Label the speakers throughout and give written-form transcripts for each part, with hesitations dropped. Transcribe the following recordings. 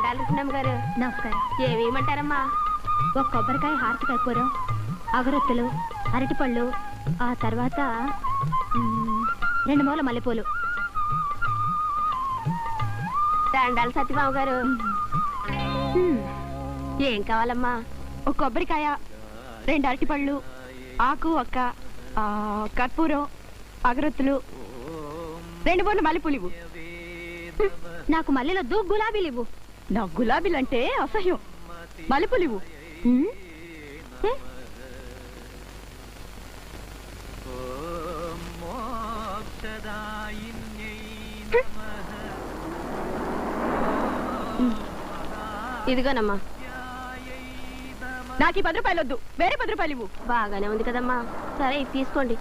Speaker 1: దండాలు కృష్ణమ్మ గారు.
Speaker 2: నమస్కారం.
Speaker 1: ఏమేమంటారమ్మా?
Speaker 2: ఒక కొబ్బరికాయ, హారతి కర్పూరం, అగరొత్తులు, అరటిపళ్ళు, ఆ తర్వాత 2 మూల మల్లెపూలు.
Speaker 1: దండాలు సత్యబాబు గారు. ఏం కావాలమ్మా?
Speaker 3: ఒక కొబ్బరికాయ, 2 అరటిపళ్ళు, ఆకు ఒక్క, కర్పూరం, అగరొత్తులు, 2 మూల మల్లెపూలు ఇవ్వు.
Speaker 2: నాకు మల్లెలొద్దు, గులాబీలు ఇవ్వు.
Speaker 3: నాకు గులాబీలంటే అసహ్యం. మల్లెపూలు ఇవ్వు.
Speaker 1: ఇదిగోనమ్మా.
Speaker 3: నాకు ఈ 10 రూపాయలు వద్దు, వేరే 10 రూపాయలు ఇవ్వు.
Speaker 1: బాగానే ఉంది కదమ్మా. సరే ఇది తీసుకోండి.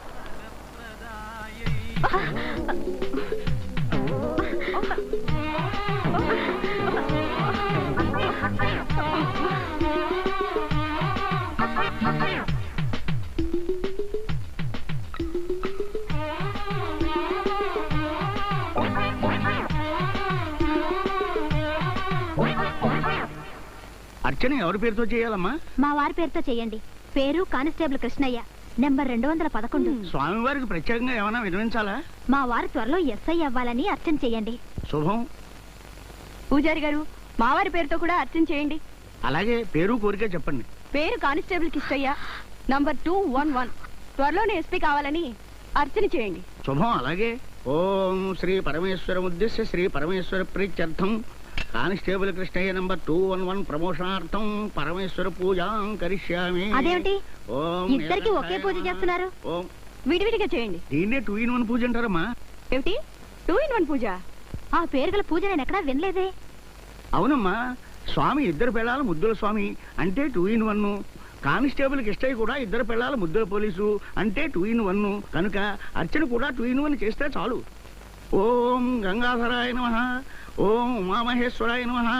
Speaker 4: అర్చన ఎవరి పేరుతో చేయాలమ్మా?
Speaker 2: మా వారి పేరుతో చెయ్యండి. పేరు కానిస్టేబుల్ కృష్ణయ్య, నెంబర్ 211.
Speaker 4: స్వామివారికి ప్రత్యేకంగా ఏమైనా వినిపించాలా?
Speaker 2: మా వారు త్వరలో ఎస్ఐ అవ్వాలని అర్చన చెయ్యండి.
Speaker 4: శుభం.
Speaker 3: పూజారి గారు, మావారి పేరుతో కూడా అర్చన చేయండి.
Speaker 4: అలాగే పేరు కోరిక చెప్పండి.
Speaker 3: పేరు కానిస్టేబుల్ కిష్టయ్య, నంబర్ 211. త్వరలోనే ఎస్పీ కావాలని అర్చన చేయండి.
Speaker 4: శుభం. అలాగే ఓం శ్రీ పరమేశ్వర ఉద్దేశ్య శ్రీ పరమేశ్వర ప్రీత్యర్థం కానిస్టేబుల్ కృష్ణయ్య నంబర్ 211 ప్రమోషనార్థం పరమేశ్వర పూజాం కరిష్యామి.
Speaker 2: అదేమిటి
Speaker 4: ఓం
Speaker 2: ఇద్దరికి ఒకే పూజ చేస్తున్నారు?
Speaker 4: ఓం
Speaker 3: విడివిడిగా చేయండి.
Speaker 4: దీన్నే 2 in 1 పూజ అంటారమ్మా.
Speaker 3: ఏమిటి 2 in 1 పూజ?
Speaker 2: ఆ పేరు గల పూజ నేను ఎక్కడా వినలేదే.
Speaker 4: అవునమ్మా, స్వామి ఇద్దరు పిల్లల ముద్దుల స్వామి అంటే 2 in 1. కానిస్టేబుల్ కిష్టయ్య కూడా ఇద్దరు పిల్లల ముద్దుల పోలీసు అంటే 2 in 1. కనుక అర్చన కూడా 2 in 1 చేస్తే చాలు. ఓం గంగాధరాయ నమః, ఓం ఉమామహేశ్వరాయ నమః.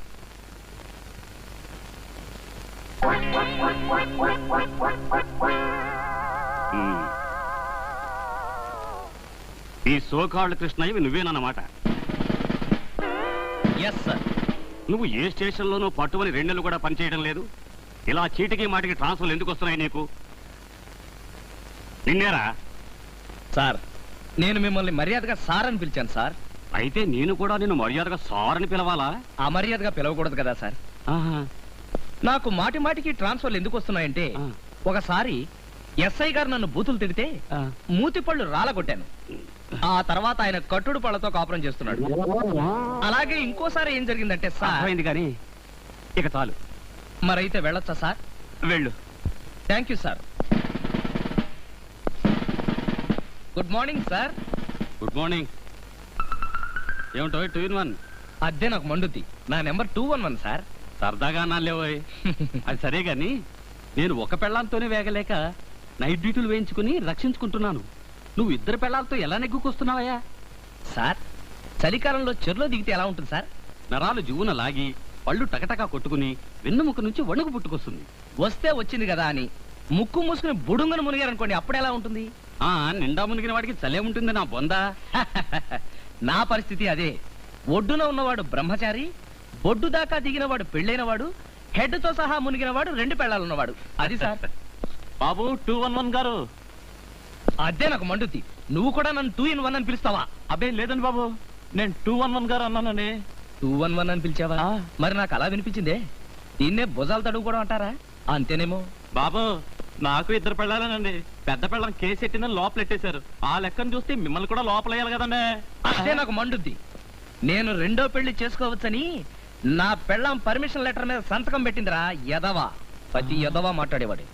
Speaker 5: ఈ సోకాళ్ళు కృష్ణయ్యవి నువ్వేనన్నమాట.
Speaker 6: Yes sir.
Speaker 5: నువ్వు ఏ స్టేషన్లోనూ పట్టుమని 2 నెలలు కూడా పనిచేయడం లేదు. ఇలా చీటికి మాటికి ట్రాన్స్ఫర్లు ఎందుకు వస్తున్నాయి నీకు? నిన్నేరా?
Speaker 6: సార్, నేను మిమ్మల్ని మర్యాదగా సార్ అని పిలిచాను సార్.
Speaker 5: అయితే నేను కూడా నిన్ను మర్యాదగా సార్ అని పిలవాలా?
Speaker 6: అమర్యాదగా పిలవకూడదు కదా సార్. నాకు మాటి మాటికి ట్రాన్స్ఫర్లు ఎందుకు వస్తున్నాయంటే, ఒకసారి ఎస్ఐ గారు నన్ను బూతులు తిడితే మూతి పళ్ళు రాలగొట్టాను. ఆ తర్వాత ఆయన కట్టుడు పళ్ళతో కాపురం చేస్తున్నాడు. అలాగే ఇంకోసారి ఏం జరిగిందంటే సార్.
Speaker 5: అయింది కానీ ఇక చాలు.
Speaker 6: మరైతే వెళ్ళొచ్చా సార్?
Speaker 5: వెళ్ళు.
Speaker 6: Thank you sir. Good morning sir.
Speaker 5: Good morning. ఏమిటో 2 in 1?
Speaker 6: అదే నాకు మండుద్ది. నా నెంబర్ 211 సార్.
Speaker 5: సరదాగా నాలేవోయ్. అది సరే గాని నేను ఒక పెళ్ళాంతోనే వేగలేక నైట్ డ్యూటీలు వేయించుకుని రక్షించుకుంటున్నాను. నువ్వు ఇద్దరు పెళ్ళాలతో ఎలా నెగ్గుకొస్తున్నావయ్యా?
Speaker 6: సార్, చలికాలంలో చెరులో దిగితే ఎలా ఉంటుంది సార్?
Speaker 5: నరాలు జువున లాగి పళ్ళు టకటకా కొట్టుకుని వెన్నుముక నుంచి వణుకు పుట్టుకొస్తుంది.
Speaker 6: వస్తే వచ్చింది కదా అని ముక్కు మూసుకుని బుడుంగను మునిగారనుకోండి, అప్పుడెలా ఉంటుంది?
Speaker 5: నిండా మునిగిన వాడికి చలే ఉంటుంది నా బొందా.
Speaker 6: నా పరిస్థితి అదే. ఒడ్డున ఉన్నవాడు బ్రహ్మచారి, బొడ్డు దాకా దిగినవాడు పెళ్ళైనవాడు, హెడ్ తో సహా మునిగినవాడు 2 పెళ్ళాలున్నవాడు. అది సార్.
Speaker 5: బాబు 211 గారు.
Speaker 6: అదే నాకు మండుద్ది. నువ్వు కూడా నన్ను 2 in 1 అని పిలుస్తావా?
Speaker 5: అబ్బే లేదండి బాబు, నేను 211 గారు అన్నానండి.
Speaker 6: 211 అని పిలిచావా? మరి నాకు అలా వినిపించిందే. దీన్నే భుజాలు తడుగుకోవడం అంటారా? అంతేనేమో.
Speaker 5: బాబు నాకు 2 పెళ్ళాలేనండి. పెద్ద పెళ్ళం కేసు ఎట్టిన లోపలెట్టేశారు. ఆ లెక్కను చూస్తే మిమ్మల్ని కూడా లోపలేయాలి కదండి.
Speaker 6: అదే నాకు మండుద్ది. నేను 2వ పెళ్లి చేసుకోవచ్చని నా పెళ్ళం పర్మిషన్ లెటర్ మీద సంతకం పెట్టిందిరా యదవా. ప్రతి యదవా మాట్లాడేవాడు.